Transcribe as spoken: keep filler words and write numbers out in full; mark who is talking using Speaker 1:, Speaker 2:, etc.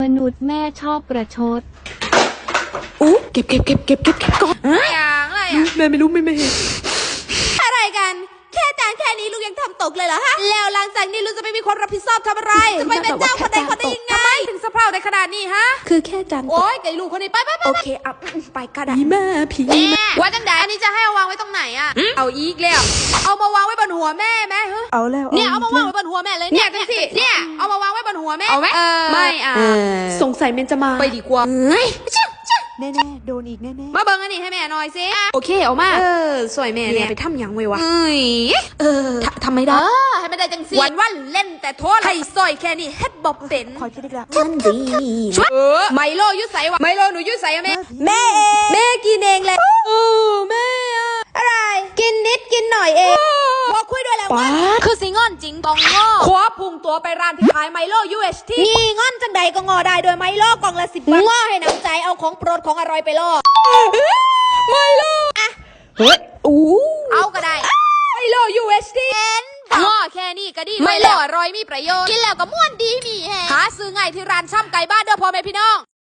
Speaker 1: มนุษย์แม่ชอบประชด
Speaker 2: อู้เก็บเก็บเก็บเก็บเก็บเก็บก่อน
Speaker 3: อะไรอ่ะอะไรอ่ะ
Speaker 2: แม่ไม่รู้ไม่ไม่เห็น
Speaker 3: อะไรกันแค่จานแค่นี้ลูกยังทำตกเลยเหรอฮะแล้วหลังจากนี้ลูกจะไม่มีความรับผิดชอบทำอะไรจะไปเป็นเจ้าคนใดคนใดยังไงทำไมถึงสะเพร่าในขนาดนี้ฮะ
Speaker 2: คือแค่จานต
Speaker 3: โอ๊
Speaker 2: ก
Speaker 3: ยไก่ลูกคนนี้ไปไปไป
Speaker 2: โอเคเอาไปก็ได้ผีแม่ผี
Speaker 3: แม่
Speaker 2: แม่
Speaker 3: ว่าจังใดอันนี้จะให้เอาวางไว้ตรงไหนอ่ะเอาอีกแล้วเอามาวางไว้บนหัวแม่ไหมเฮ้ย
Speaker 2: เอาแล้ว
Speaker 3: เนี่ยเอามาวางไว้บนหัวแม่เลยเนี่ยจังสิเนี่ยเอามาวางไว้บนหัวแม่เอาไหมไม่อ่ะ
Speaker 2: สงสัยเมนจะมา
Speaker 3: ไปดีกว่า
Speaker 2: แน่ๆโดนอีกแน่ๆ
Speaker 3: มาเบิ่งอันนี้ให้แม่หน่อยสิ
Speaker 2: โอเคเอามา
Speaker 3: เออสวยแม่
Speaker 2: แม่
Speaker 3: เนี่ย
Speaker 2: ไปทำยังไงวะ
Speaker 3: เอ้ย
Speaker 2: เออทำไม่
Speaker 3: เอ
Speaker 2: ได้
Speaker 3: อให้ไม่ได้จังสิวันวันเล่นแต่โทษให้ซอยแค่นี้เฮ็ดบ่เป็น
Speaker 2: คอยคิดอีกแล้วมันดี
Speaker 3: เออไมโลยุใสวะไมโลหนูยุใสอะแม่
Speaker 2: แม่เอง
Speaker 3: แม่กินเองแหละโอ้แม่อะไร กินนิดกินหน่อยเองบอกคุยด้วยแล้ว
Speaker 2: ป๊า
Speaker 3: ว่า
Speaker 2: ด
Speaker 3: คือสิงอนจริงต้องงอขวาพุ่งตัวไปร้านที่ขายไมโล ยู เอช ที นี่งอนจังใดก็งอได้โดยไมโลกล่องละสิบบาทงอให้น้ำใจเอาของโปรดของอร่อยไปล่อไมโลอะ
Speaker 2: เฮ้ยอู้
Speaker 3: เอาก็ได้ไมโล ยู เอช ที งอแค่นี้ก็ดีไมโลอร่อยมีประโยชน์กินแล้วก็ม่วนดีมีแฮงหาซื้อง่ายที่ร้านช่ำไก่บ้านเด้อพ่อแม่พี่น้อง